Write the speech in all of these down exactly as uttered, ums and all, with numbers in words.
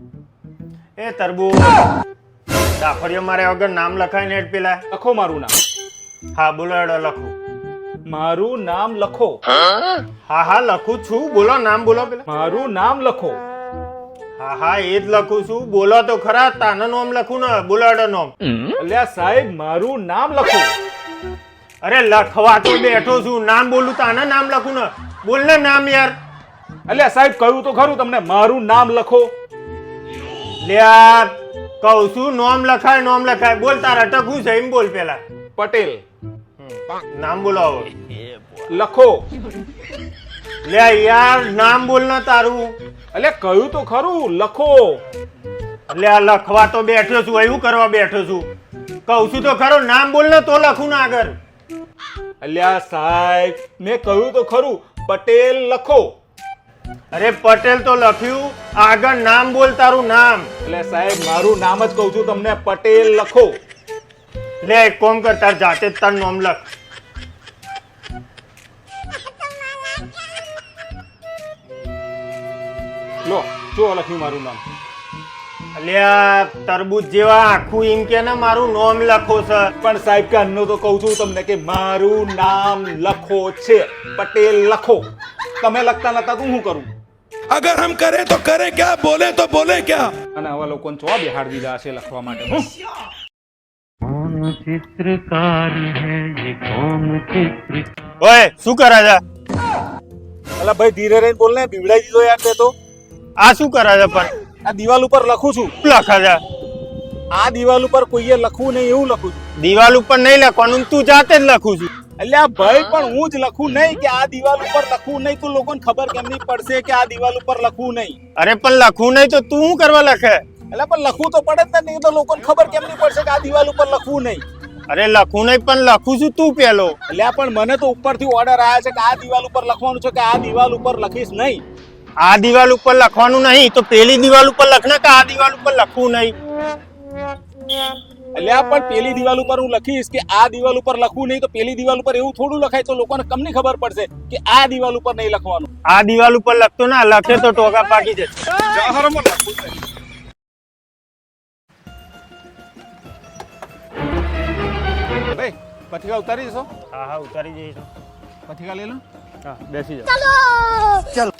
એ તરબૂચ દાફડિયો મારે વગર નામ લખાય ને પેલા લખો મારું નામ. હા બોલો એડો લખું. મારું નામ લખો. હા હા લખું છું બોલો નામ બોલો પેલા. મારું નામ લખો. હા હા એ જ લખું છું બોલો તો ખરા તાનું નામ લખું ને બોલો એડો નામ. અલ્યા સાહેબ મારું નામ લખો. અરે લખવા તો બેઠો છું નામ બોલું તાના નામ લખું ને બોલ ને નામ યાર. અલ્યા સાહેબ કહ્યું તો ખરું તમને મારું નામ લખો. લ્યા કહું છું નામ લખાય નામ લખાય બોલ તારા ટકું છે એમ બોલ પેલા. પટેલ. નામ બોલો હવે. લખો. લ્યા યાર નામ બોલ ને તારું. અલ્યા કહ્યું તો ખરું લખો. લ્યા લખવા તો બેઠો છું એવું કરવા બેઠો છું કહું છું તો ખરો નામ બોલ ને તો લખું ને આગળ. અલ્યા સાહેબ મેં કહ્યું તો ખરું પટેલ લખો. અરે પટેલ તો લખ્યું આગળ નામ બોલ તારું નામ. એટલે સાહેબ મારું નામ જ કહું છું તમને પટેલ લખો. લે એક કોમ કર તાર જાતે જ તારું નામ લખ. લો જો લખ્યું મારું નામ. અલ્યા તરબૂચ જેવા આખું એમ કે ને મારું નામ લખો છે. પણ સાહેબ કે અન્નો તો કહું છું તમને કે મારું નામ લખો છે પટેલ લખો. તમે લખતા નતા તો હું કરું. अगर हम करें तो करें क्या, बोले तो बोले क्या. અને આવા લોકોને ચો બિહાર દીધા છે લખવા માટે. હું कौन चित्रकार है ये कौन चित्र ઓય શું કરે છે? અલા ભાઈ ધીરે રહીને બોલ ને બીવડાઈ દીધો યાર તે તો. આ શું કરે છે પણ? આ દિવાલ ઉપર લખું છું. શું લખે છે? આ દિવાલ ઉપર કોઈએ લખવું નહીં એવું લખું છું. દિવાલ ઉપર નહીં લખવાનું તું જાતે જ લખું છું. અલ્યા ભાઈ પણ હું જ લખું નહીં કે આ દિવાલ ઉપર લખવું નહીં તો લોકોને ખબર કેમ નહીં પડશે કે આ દિવાલ ઉપર લખવું નહીં. અરે પણ લખવું નહીં તો તું શું કરવા લખે? એટલે પણ લખવું તો પડે જ ને નહીં તો લોકોને ખબર કેમ નહીં પડશે કે આ દિવાલ ઉપર લખવું નહીં. અરે લખવું નહીં પણ લખું છું તું પેલો. એટલે પણ મને તો ઉપરથી ઓર્ડર આવ્યા છે કે આ દિવાલ ઉપર લખવાનું છે કે આ દિવાલ ઉપર લખીશ નહીં. આ દિવાલ ઉપર લખવાનું નહીં તો પેલી દિવાલ ઉપર લખને કે આ દિવાલ ઉપર લખવું નહીં. એટલે પણ પેલી દિવાલ ઉપર હું લખીશ કે આ દિવાલ ઉપર લખવું નહીં તો પેલી દિવાલ ઉપર એવું થોડું લખાય તો લોકોને કમ નહીં ખબર પડશે કે આ દિવાલ ઉપર નહીં લખવાનું. આ દિવાલ ઉપર લખતો ના લખે તો ટોકા પાકી જશે. જાહેરમાં લખવું છે. ભાઈ પથિકા ઉતારી જશો. હા હા ઉતારી જઈશું. પથિકા લઈ લો. હા બેસી જાઓ. ચલો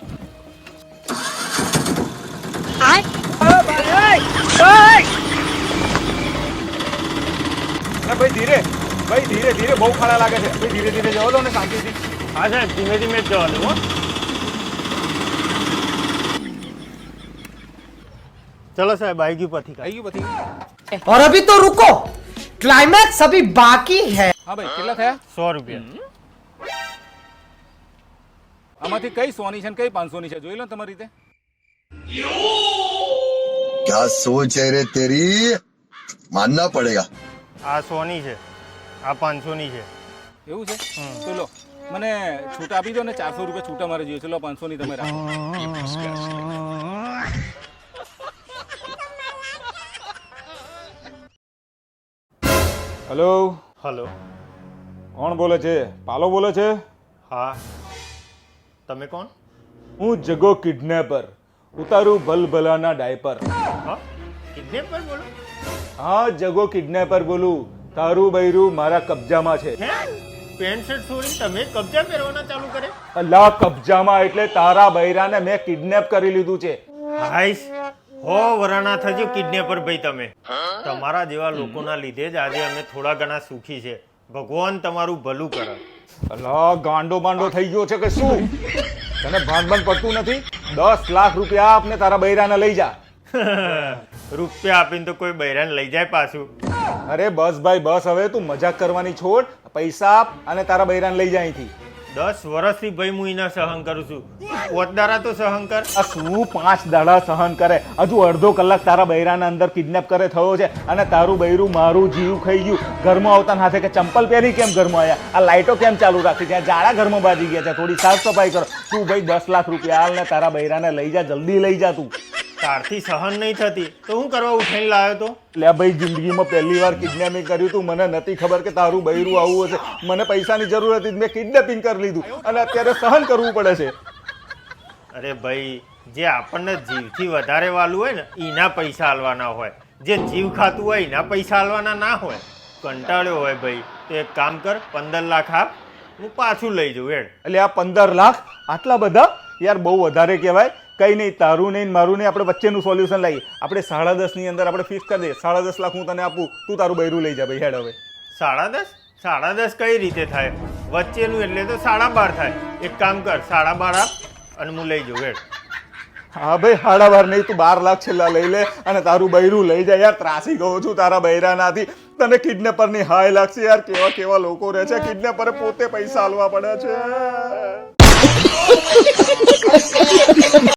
ના ભાઈ ધીરે ભાઈ ધીરે ધીરે બહુ ખાડા લાગે છે ભાઈ ધીરે ધીરે જવા દો ને શાંતિથી. હા સાહેબ ધીમે ધીમે જ જવા દો. चलो साहब आएगी पथिका. આવી ગયું પથિકા. और अभी तो रुको, क्लाइमैक्स अभी बाकी है. હા ભાઈ કેટલા થયા? सौ रुपया. આમાંથી કઈ સોની છે ને કઈ પાંચસો ની છે જોઈ લો તમારી રીતે. क्या सोच है रे तेरी, मानना पड़ेगा. आ सोनी છે આ પાંચસો ની છે. એવું છે તો લો મને છૂટા આપી દો ને ચારસો રૂપિયા છૂટા મારે જોઈએ છે. લો પાંચસો ની તમે રાખો. હેલો હલો કોણ બોલે છે? પાલો બોલે છે. હા તમે કોણ? હું જગો કિડનેપર ઉતારું ભલભલાના ડાયપર. હા કિડનેપર બોલો. હા જગો કિડનેપર બોલું. તારું બૈરું મારા કબજામાં છે. હે પેન્ટ શર્ટ છોડીને તમે કબજા પહેરવાના ચાલુ કરે? અલ્લાહ કબજામાં એટલે તારા બૈરાને મેં કિડનેપ કરી લીધું છે. હાઈસ હો વરાણા થજો કિડનેપર ભાઈ તમે. તમારા જેવા લોકોના લીધે જ આજે અમે થોડા ઘણા સુખી છે. ભગવાન તમારું ભલું કરે. અલ્લાહ ગાંડો બાંડો થઈ ગયો છે કે શું? તને ભાન ભાન પડતું નથી? દસ લાખ રૂપિયા આપને તારા બૈરાને લઈ જા. રૂપિયા આપીને તો કોઈ બૈરાને લઈ જાય પાછું. અરે બસ ભાઈ બસ હવે તું મજાક કરવાની છોડ. પૈસા આપ અને તારા બૈરાને લઈ જા અહીંથી. દસ વર્ષથી ભાઈ હું એના સહન કરું છું. પોતદારા તો સહન કર. આ શું પાંચ દાડા સહન કરે? હજુ અડધો કલાક તારા બૈરાના અંદર કિડનેપ કરે થયો છે અને તારું બૈરું મારું જીવ ખાઈ ગયું. ઘરમાં આવતા હાથે કે ચંપલ પહેરી કેમ ઘરમાં આવ્યા? આ લાઈટો કેમ ચાલુ રાખી છે? જાડા ઘરમાં બાજી ગયા છે. થોડી સાફ સફાઈ કરો. તું ભાઈ દસ લાખ રૂપિયા હાલ ને તારા બૈરાને લઈ જા, જલ્દી લઈ જા તું. તારથી સહન નહીં થતી તો હું કરવા ઉઠાઈને લાવ્યો તો? લે ભાઈ જિંદગીમાં પહેલી વાર કિડનેપિંગ કર્યું તું. મને નથી ખબર કે તારું બૈરું આવું હશે. મને પૈસાની જરૂર હતી મેં કિડનેપિંગ કરી લીધું અને અત્યારે સહન કરવું પડે છે. અરે ભાઈ જે આપણને જીવથી વધારે વાલું હોય ને એના પૈસા આલવાના હોય, જે જીવ ખાતું હોય એના પૈસા આલવાના ના હોય. કંટાળ્યો હોય ભાઈ તો એક કામ કર, પંદર લાખ આપ, હું પાછું લઈ જાઉં હેડ. એટલે આ પંદર લાખ આટલા બધા યાર બહુ વધારે કહેવાય. કઈ નહીં, તારું નહીં મારું નહીં, આપણે વચ્ચેનું સોલ્યુશન લાવીએ. આપણે સાડા દસ ની અંદર આપણે ફિક્સ કરી દઈએ. સાડા દસ લાખ હું તને આપું, તું તારું બૈરું લઈ જા ભાઈ હેડ હવે. સાડા દસ સાડા દસ કઈ રીતે થાય? વચ્ચેનું એટલે તો સાડા બાર થાય. એક કામ કર, સાડા બાર આપ અને હું લઈ જાઉં હેડ. હા ભાઈ સાડા બાર નહીં, તું બાર લાખ છેલ્લા લઈ લે અને તારું બૈરું લઈ જાય. યાર ત્રાસી ગયો છું તારા બૈરાનાથી. તને કિડનેપર ની હાય લાગશે યાર. કેવા કેવા લોકો રહે છે, કિડનેપરે પોતે પૈસા આલવા પડે છે.